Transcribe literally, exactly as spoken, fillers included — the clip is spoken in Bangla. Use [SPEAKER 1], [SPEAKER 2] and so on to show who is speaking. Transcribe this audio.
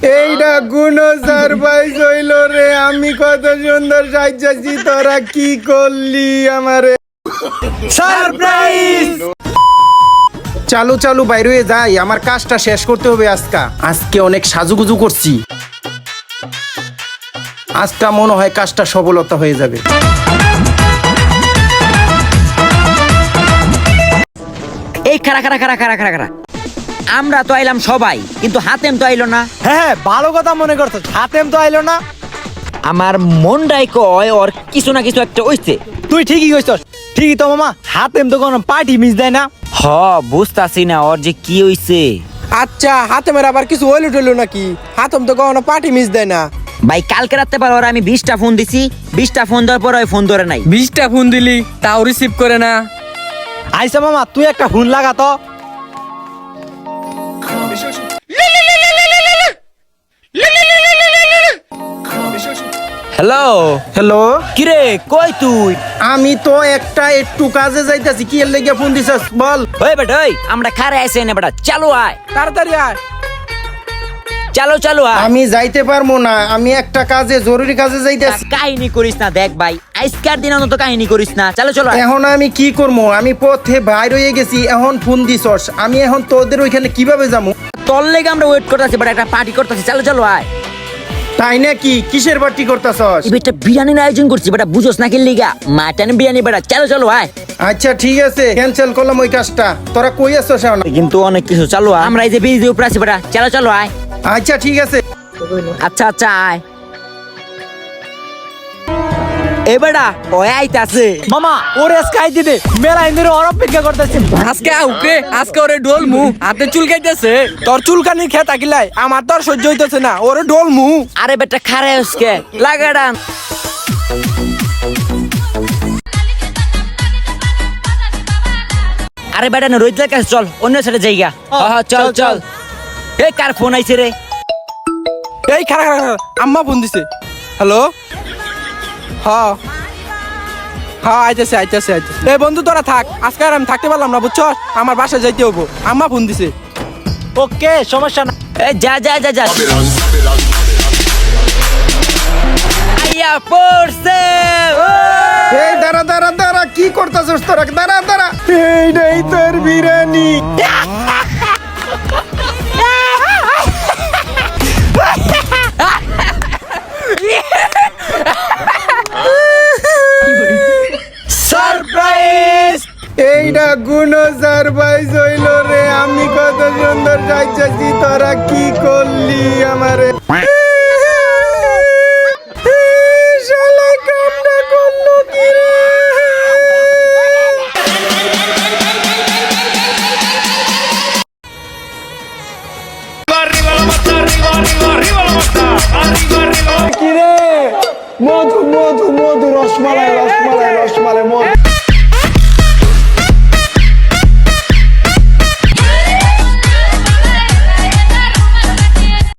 [SPEAKER 1] এইটা কোন সারপ্রাইজ হইল রে? আমি কত সুন্দর সাজাইছি, তোরা কি করলি আমারে? সারপ্রাইজ! চালু চালু বাইরে হয়ে যাই, আমার কাজটা শেষ করতে হবে। আজকা আজকে অনেক সাজুগুজু করছি, আজটা মনে হয় কাজটা সফলতা হয়ে যাবে।
[SPEAKER 2] এই খারা খারা খারা খারা খারা খারা আমরা তো আইলাম সবাই, কিন্তু হাতেম তো আইলো না।
[SPEAKER 3] হ্যাঁ ভালো কথা মনে করছো, হাতেম তো আইলো না।
[SPEAKER 2] আমার মনটাই কয় ওর কিছু না কিছু একটা হইছে।
[SPEAKER 3] তুই ঠিকই কইছস, ঠিকই তো মামা, হাতেম তো কোনো পার্টি মিস দেয় না।
[SPEAKER 2] হ বুঝতাছি না ওর যে কি হইছে।
[SPEAKER 4] আচ্ছা হাতেমের আবার কিছু হইলো টইলো নাকি? হাতেম তো কখনো পার্টি মিস দেয় না।
[SPEAKER 2] ভাই কালকে রাতে পর ওর আমি বিশটা ফোন দিছি, বিশটা ফোন দেওয়ার পর ওই ফোন ধরে নাই।
[SPEAKER 5] বিশটা ফোন দিলি তাও রিসিভ করে না।
[SPEAKER 3] আইসা মামা তুই একটা ফোন লাগা তো।
[SPEAKER 5] হ্যালো
[SPEAKER 1] হ্যালো,
[SPEAKER 2] কিরে কই তুই?
[SPEAKER 1] আমি তো একটা একটু কাজে যাইতাছি। কি এর লেগে ফোন দিছস বল?
[SPEAKER 2] ওই বেটা ওই আমরা খারে আইছে না বেটা, চালু আয়
[SPEAKER 4] তাড়াতাড়ি আয়।
[SPEAKER 2] চালো চালু আয়।
[SPEAKER 1] আমি যাইতে পারবো না, আমি একটা কাজে, জরুরি কাজে যাইতেছি।
[SPEAKER 2] কাহিনী করিস না দেখ ভাই, আজকের দিন অন্তত কাহিনী করিস না। চলো চলো আয়।
[SPEAKER 1] এখন আমি কি করবো? আমি পথে বাইর হয়ে গেছি, এখন ফোন দিছস, আমি এখন তোদের ওইখানে কিভাবে যাবো?
[SPEAKER 2] তোর লেগে আমরা ওয়েট করতেছি, বেটা একটা পার্টি করতেছি। চলো চলো আয়।
[SPEAKER 1] তাই নাকি? কিসের পার্টি করতেছস?
[SPEAKER 2] এই বেটা বিরিয়ানির আয়োজন করছি বেটা, বুঝোস না কি লিগা? মাটন বিরিয়ানি বেটা। চলো চলো আয়।
[SPEAKER 1] আচ্ছা ঠিক আছে, ক্যান্সেল করলাম ওই কাজটা। তোরা কই আছস এখন?
[SPEAKER 2] কিন্তু অনেক কিছু। চালু আয়, আমরা এই যে বিজি উপরে আছি বেটা। চলো চলো আয়।
[SPEAKER 1] আচ্ছা ঠিক আছে।
[SPEAKER 2] আচ্ছা আচ্ছা আয়। এ বেটা ওই আইতাছে।
[SPEAKER 3] মামা ওরে স্কাই দিতে মেলা ইন্দুরে ওর অপেক্ষা করতেছে।
[SPEAKER 5] আজকে আউকে আজকে ওরে ডোল মু হাতে চুলকাইতেছে।
[SPEAKER 4] তোর চুলকানি খেয়ে থাকিলাই আমার তো আর সহ্য হইতেছে না, ওরে ডোল মু।
[SPEAKER 2] আরে বেটা খারে উসকে লাগাডা। আরে বেটা না রোহিতের কাছে চল, অন্য সাইডে যাইগা। হ্যাঁ চল চল। এই কার ফোন আইছে রে?
[SPEAKER 4] এই খারা খারা খারা, আম্মা ফোন দিছে। হ্যালো, হ্যাঁ হ্যাঁ আইতেছে আইতেছে আইতেছে। এই বন্ধু তোরা থাক, আজকে আর আমি থাকতে পারলাম না বুঝছ, আমার বাসায় যাইতে হবো। আম্মা ফোন দিছে।
[SPEAKER 3] ওকে সমস্যা না।
[SPEAKER 2] এই যা যা যা যা। আইয়া পড়ছে।
[SPEAKER 1] এই দাঁড়া দাঁড়া দাঁড়া, কি করতেছস তোরা? দাঁড়া দাঁড়া, এইটাই তোর বিরিয়ানি।
[SPEAKER 4] সারপ্রাইজ!
[SPEAKER 1] এইটা কোন সারপ্রাইজ হইল রে? আমি কত সুন্দর সাজাইছি, তোরা কি করলি আমারে? শালা কামটা করলো কি রে? কি রে? মধু মধু মধু রসমালাই